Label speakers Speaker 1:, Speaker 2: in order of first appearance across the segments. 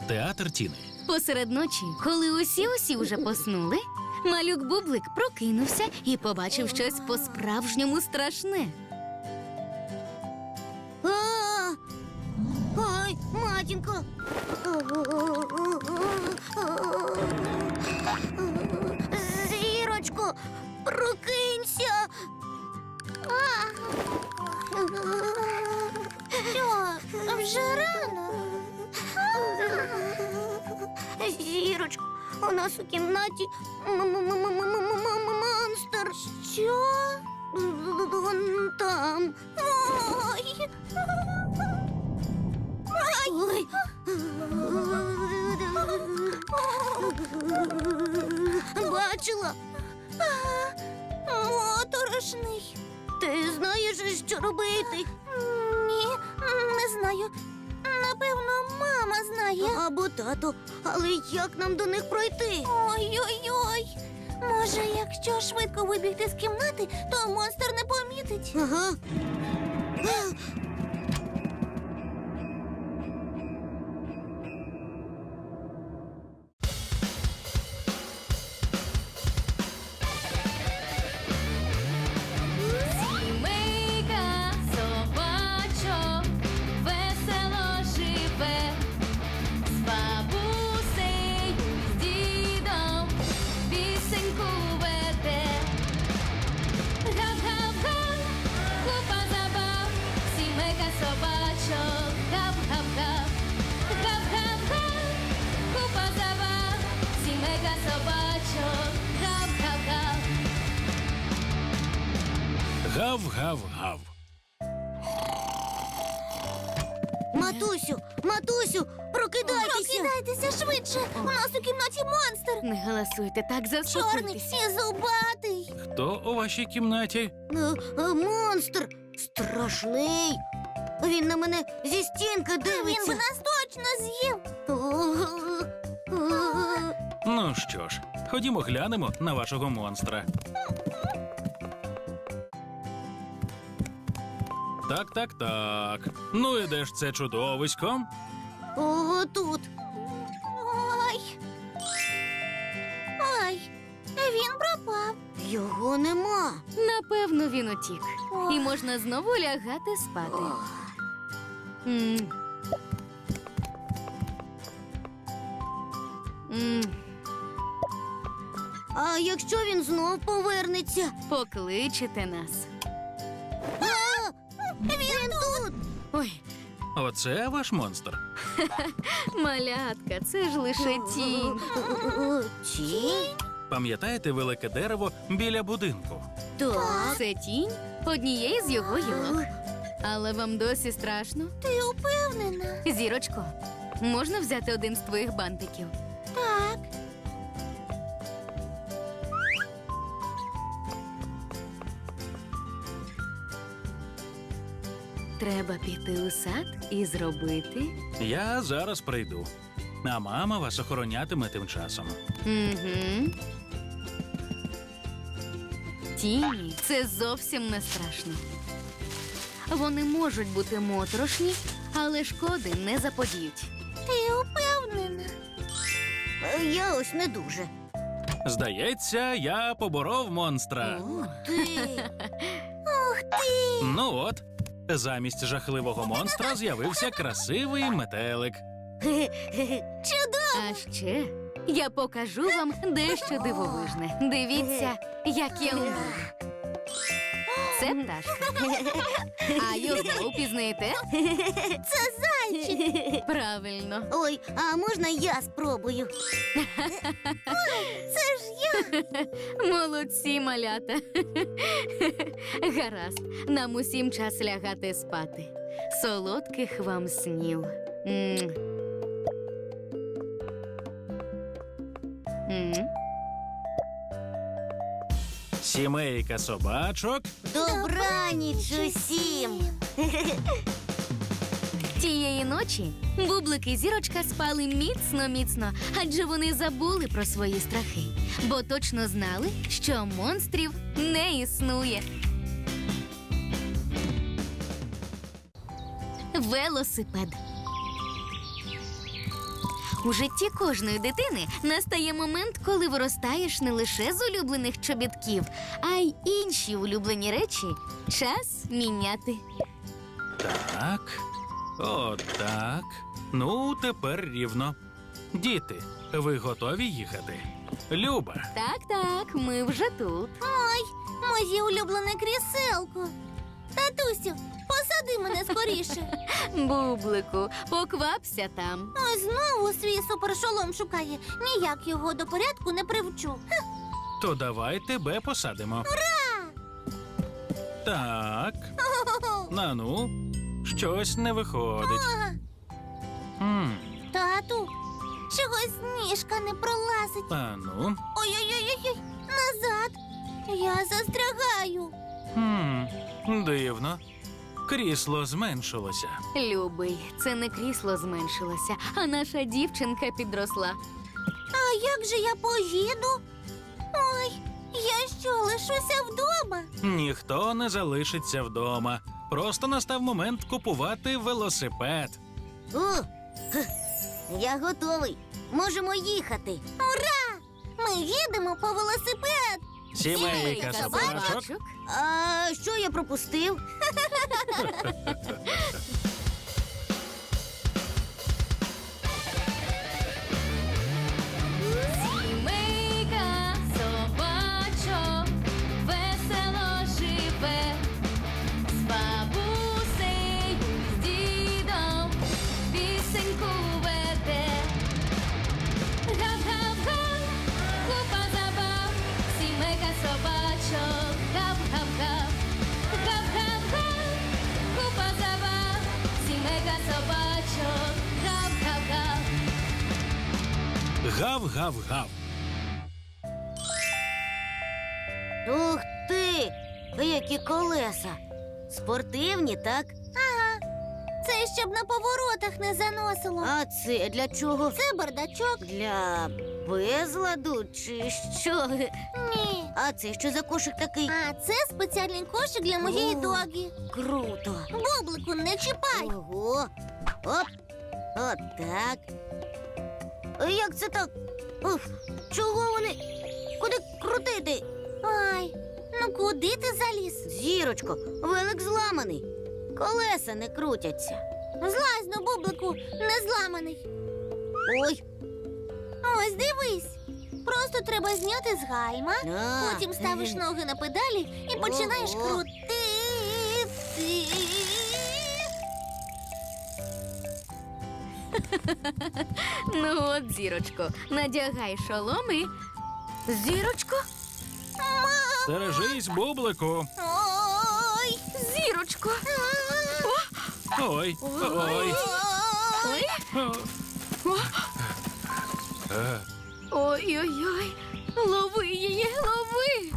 Speaker 1: Театр Тіни.
Speaker 2: Посеред ночі, коли усі вже поснули, малюк Бублик прокинувся і побачив щось по-справжньому страшне.
Speaker 3: Ой, матінко! Зірочко, прокинься! Що, вже рано? Зірочко, у нас у кімнаті монстр. Що? Вон там. Ой! Ой! Бачила? Моторошний. Ти знаєш, що робити? Ні, не знаю. Напевно, мама знає. Або тато. Але як нам до них пройти? Ой-ой-ой. Може, якщо швидко вибігти з кімнати, то монстр не помітить. Ага.
Speaker 2: Сімейка собачок весело живе, з бабусею, з дідом пісеньку веде. Гав-гав-га, купа забав, сімейка собачок, гав-гав-гав. Гав-гав-га, купа забав, сімейка собачок, гав-гав-гав.
Speaker 1: Гав-гав-гав.
Speaker 3: Матусю, прокидайтеся! Прокидайтеся швидше! У нас у кімнаті монстр!
Speaker 2: Не галасуйте, так
Speaker 3: Чорний
Speaker 2: заспокойтеся.
Speaker 3: і зубатий!
Speaker 1: Хто у вашій кімнаті?
Speaker 3: Монстр! Страшний! Він на мене зі стінки дивиться! Він би нас точно з'їв!
Speaker 1: Ну що ж, ходімо глянемо на вашого монстра. Так. Ну і де ж це чудовисько?
Speaker 3: Ого, тут! Ой, він пропав! Його нема!
Speaker 2: Напевно, він утік. І можна знову лягати спати. М. М.
Speaker 3: А якщо він знов повернеться?
Speaker 2: Покличете нас.
Speaker 3: Він тут!
Speaker 2: Ой,
Speaker 1: Оце ваш монстр?
Speaker 2: малятка, це ж лише тінь.
Speaker 3: Тінь?
Speaker 1: Пам'ятаєте велике дерево біля будинку?
Speaker 3: Так.
Speaker 2: Це тінь однієї з його гілок. Але вам досі страшно?
Speaker 3: Ти упевнена?
Speaker 2: Зірочко, можна взяти один з твоїх бантиків?
Speaker 3: Так.
Speaker 2: Треба піти у сад і зробити.
Speaker 1: Я зараз прийду. А мама вас охоронятиме тим часом.
Speaker 2: Угу. Тіні – це зовсім не страшно. Вони можуть бути моторошні, але шкоди не заподіють.
Speaker 3: Ти упевнена? Я ось не дуже.
Speaker 1: Здається, я поборов монстра.
Speaker 3: Ти. Ух ти!
Speaker 1: Ну от, замість жахливого монстра з'явився красивий метелик.
Speaker 3: Чудово!
Speaker 2: А ще я покажу вам дещо дивовижне. Дивіться, як я вмію. Це пташка. А його впізнаєте?
Speaker 3: Це зайчик!
Speaker 2: Правильно.
Speaker 3: Ой, а можна я спробую? Це ж я!
Speaker 2: Молодці, малята. Гаразд, нам усім час лягати спати. Солодких вам снів. М. М.
Speaker 1: Сімейка собачок.
Speaker 3: Добраніч усім!
Speaker 2: Тієї ночі Бублик і Зірочка спали міцно-міцно, адже вони забули про свої страхи, бо точно знали, що монстрів не існує. Велосипед. У житті кожної дитини настає момент, коли виростаєш не лише з улюблених чобітків, а й інші улюблені речі час міняти.
Speaker 1: Так. Отак. Ну, тепер рівно. Діти, ви готові їхати? Люба,
Speaker 2: Так, ми вже тут.
Speaker 3: Ой, моє улюблене кріселко. Татусю, посади мене скоріше.
Speaker 2: Бублику, поквапся там.
Speaker 3: Ой, знову свій супершолом шукає. Ніяк його до порядку не привчу.
Speaker 1: то давай тебе посадимо. Так. Нану, щось не виходить. М,
Speaker 3: Тату, чогось ніжка не пролазить.
Speaker 1: Ану.
Speaker 3: Ой-ой-ой, назад. Я застрягаю.
Speaker 1: Дивно. Крісло зменшилося.
Speaker 2: Любий, це не крісло зменшилося, а наша дівчинка підросла.
Speaker 3: А як же я поїду? Ой, я що, лишуся вдома?
Speaker 1: Ніхто не залишиться вдома. Просто настав момент купувати велосипед.
Speaker 3: Я готовий. Можемо їхати. Ура! Ми їдемо по велосипед.
Speaker 1: Сімейка собачок.
Speaker 3: А що я пропустив?
Speaker 2: Сімейка собачок весело живе, з бабусею, з дідом пісеньку веде. Гап-гап-га, купа забав, сімейка собачок, гап-гап-гап. Гап-гап-га, купа забав, сімейка собачок, гап-гап-гап.
Speaker 1: Гав-гав-гав.
Speaker 3: Ух ти! Які колеса! Спортивні, так? Ага. Це щоб на поворотах не заносило. А це для чого? Це бардачок. Для безладу чи що? Ні. А це що за кошик такий? А це спеціальний кошик для моєї догі. Круто. Бублику, не чіпай. Ого. Оп. От так. Як це так? Уф, чого вони? Куди крутити? Ай, ну куди ти заліз? Зірочко, велик зламаний. Колеса не крутяться. Злазь, ну, Бублику, не зламаний. Ой. Ось дивись. Просто треба зняти з гальма, потім ставиш ноги на педалі і починаєш крутити.
Speaker 2: Ну от, зірочко, надягай шолом і... Зірочко?
Speaker 1: Стережись, бублику.
Speaker 3: Ой.
Speaker 2: Зірочко!
Speaker 1: Ой, ой.
Speaker 2: Ой!
Speaker 1: Е,
Speaker 2: Ой-ой-ой! Лови її, лови!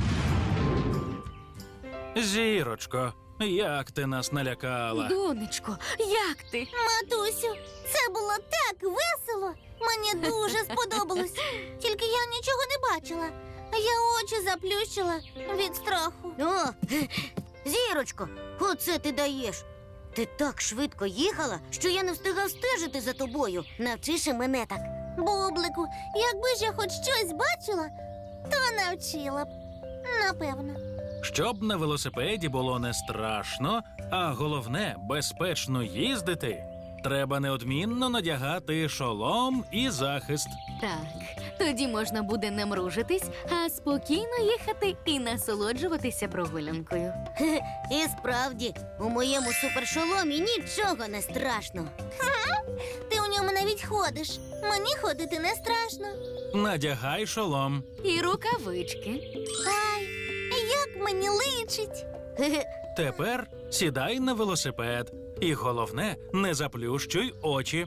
Speaker 1: Зірочко, як ти нас налякала?
Speaker 2: Донечко, як ти?
Speaker 3: Матусю, це було так весело. Мені дуже сподобалось. Тільки я нічого не бачила. Я очі заплющила від страху. О, Зірочко, оце ти даєш. Ти так швидко їхала, що я не встигав стежити за тобою. Навчиш і мене так. Бублику, якби ж я хоч щось бачила, то навчила б. Напевно.
Speaker 1: Щоб на велосипеді було не страшно, а головне безпечно їздити, треба неодмінно надягати шолом і захист.
Speaker 2: Так, тоді можна буде не мружитись, а спокійно їхати і насолоджуватися прогулянкою.
Speaker 3: І справді, у моєму супершоломі нічого не страшно. Ти у ньому навіть ходиш. Мені ходити не страшно.
Speaker 1: Надягай шолом.
Speaker 2: І рукавички.
Speaker 3: Ай, як мені личить.
Speaker 1: Тепер сідай на велосипед. І головне, не заплющуй очі.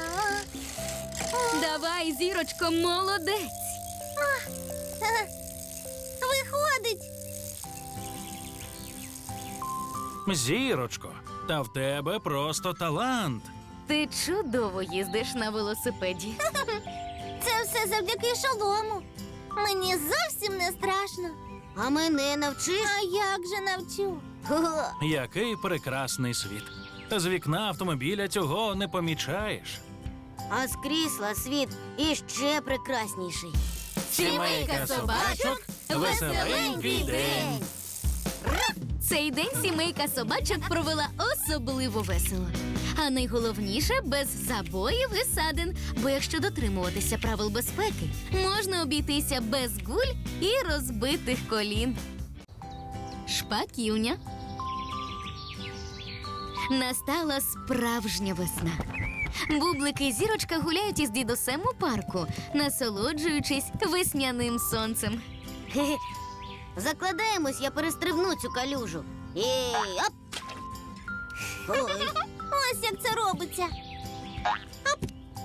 Speaker 2: Давай, зірочко, молодець!
Speaker 3: Виходить.
Speaker 1: Зірочко, та в тебе просто талант.
Speaker 2: Ти чудово їздиш на велосипеді.
Speaker 3: Це все завдяки шолому. Мені зовсім не страшно. А мене навчиш? А як же навчу?
Speaker 1: Який прекрасний світ. З вікна автомобіля цього не помічаєш.
Speaker 3: А з крісла світ іще прекрасніший.
Speaker 2: Сімейка собачок, веселенький день. Цей день сімейка собачок провела особливо весело. А найголовніше – без забоїв і садин. Бо якщо дотримуватися правил безпеки, можна обійтися без гуль і розбитих колін. Шпаківня. Настала справжня весна. Бублики і Зірочка гуляють із дідусем у парку, насолоджуючись весняним сонцем.
Speaker 3: Хе-хе. Закладаємось, я перестрибну цю калюжу. Оп! Ой. Ось як це робиться. Оп!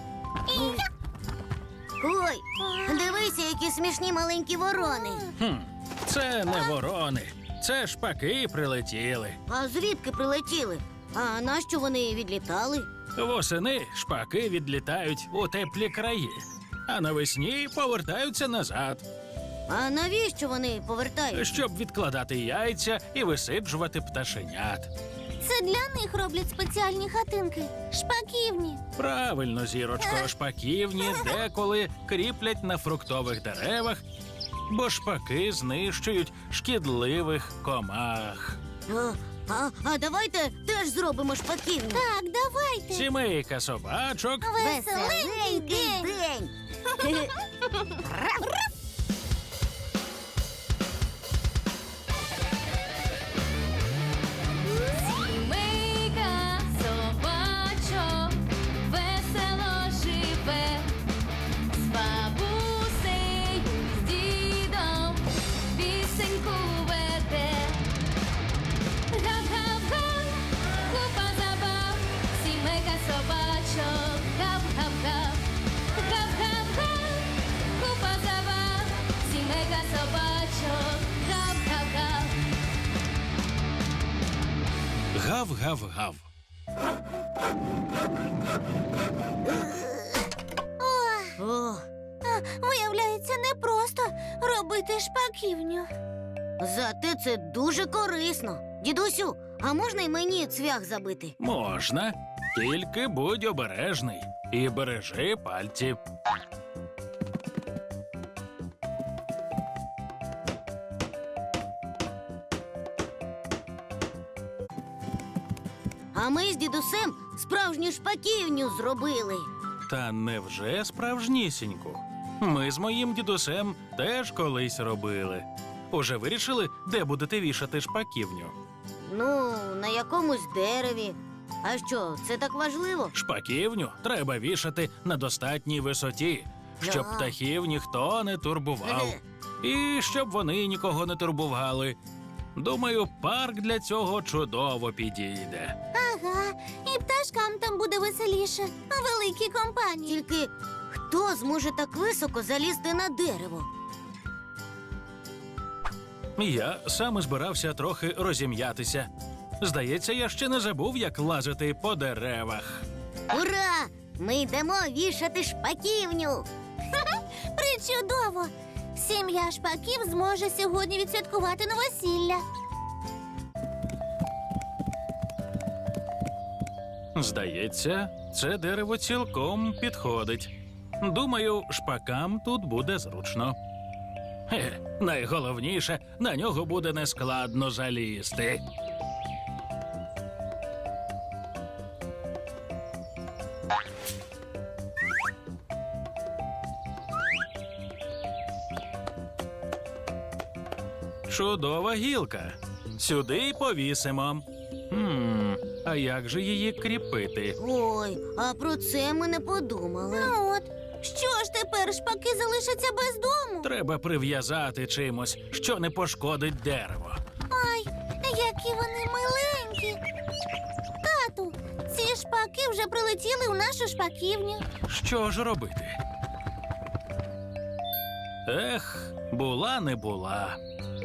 Speaker 3: Ой, дивися, які смішні маленькі ворони.
Speaker 1: Це не ворони, це шпаки прилетіли.
Speaker 3: А звідки прилетіли? А нащо вони відлітали?
Speaker 1: Восени шпаки відлітають у теплі краї, а навесні повертаються назад,
Speaker 3: А навіщо вони повертаються?
Speaker 1: щоб відкладати яйця і висиджувати пташенят.
Speaker 3: Це для них роблять спеціальні хатинки. Шпаківні.
Speaker 1: Правильно, Зірочко, шпаківні деколи кріплять на фруктових деревах, бо шпаки знищують шкідливих комах.
Speaker 3: А давайте теж зробимо шпаківню. Так, давайте.
Speaker 1: Сімейка собачок
Speaker 3: Веселенький день.
Speaker 2: Сімейка собачок весело живе, з бабусею, з дідом пісеньку веде. Гав-гав-га, купа забав, сімейка собачок, гав-гав-гав. Гав-гав-га, купа забав, сімейка собачок, гав-гав-гав.
Speaker 1: гав-гав-гав.
Speaker 3: О, виявляється, непросто робити шпаківню. Зате це дуже корисно. Дідусю, а можна й мені цвях забити?
Speaker 1: Можна, тільки будь обережний і бережи пальці.
Speaker 3: А ми з дідусем справжню шпаківню зробили.
Speaker 1: Та невже справжнісіньку? Ми з моїм дідусем теж колись робили. Уже вирішили, де будете вішати шпаківню?
Speaker 3: Ну, на якомусь дереві. А що, це так важливо?
Speaker 1: Шпаківню треба вішати на достатній висоті, щоб
Speaker 3: Да.
Speaker 1: птахів ніхто не турбував. І щоб вони нікого не турбували. Думаю, парк для цього чудово підійде.
Speaker 3: Ага, і пташкам там буде веселіше, великій компанії. Тільки хто зможе так високо залізти на дерево?
Speaker 1: Я саме збирався трохи розім'ятися. Здається, я ще не забув, як лазити по деревах.
Speaker 3: Ура! Ми йдемо вішати шпаківню. Причудово! Сім'я шпаків зможе сьогодні відсвяткувати новосілля.
Speaker 1: Здається, це дерево цілком підходить. Думаю, шпакам тут буде зручно. Найголовніше, на нього буде нескладно залізти. Чудова гілка. Сюди й повісимо. А як же її кріпити?
Speaker 3: Ой, а про це ми не подумали. Ну от, що ж тепер шпаки залишаться без дому?
Speaker 1: Треба прив'язати чимось, що не пошкодить дерево.
Speaker 3: Ай, які вони миленькі. Тату, ці шпаки вже прилетіли у нашу шпаківню.
Speaker 1: Що ж робити? Ех, була не була.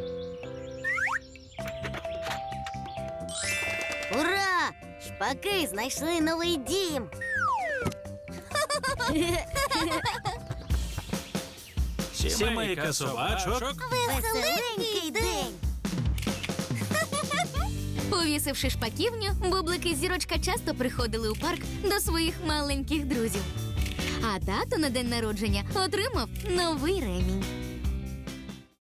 Speaker 3: Ура! Шпаки знайшли новий дім.
Speaker 1: Сімейка собачок
Speaker 3: Веселенький день.
Speaker 2: Повісивши шпаківню, Бублик і Зірочка часто приходили у парк до своїх маленьких друзів. А тато на день народження отримав новий ремінь.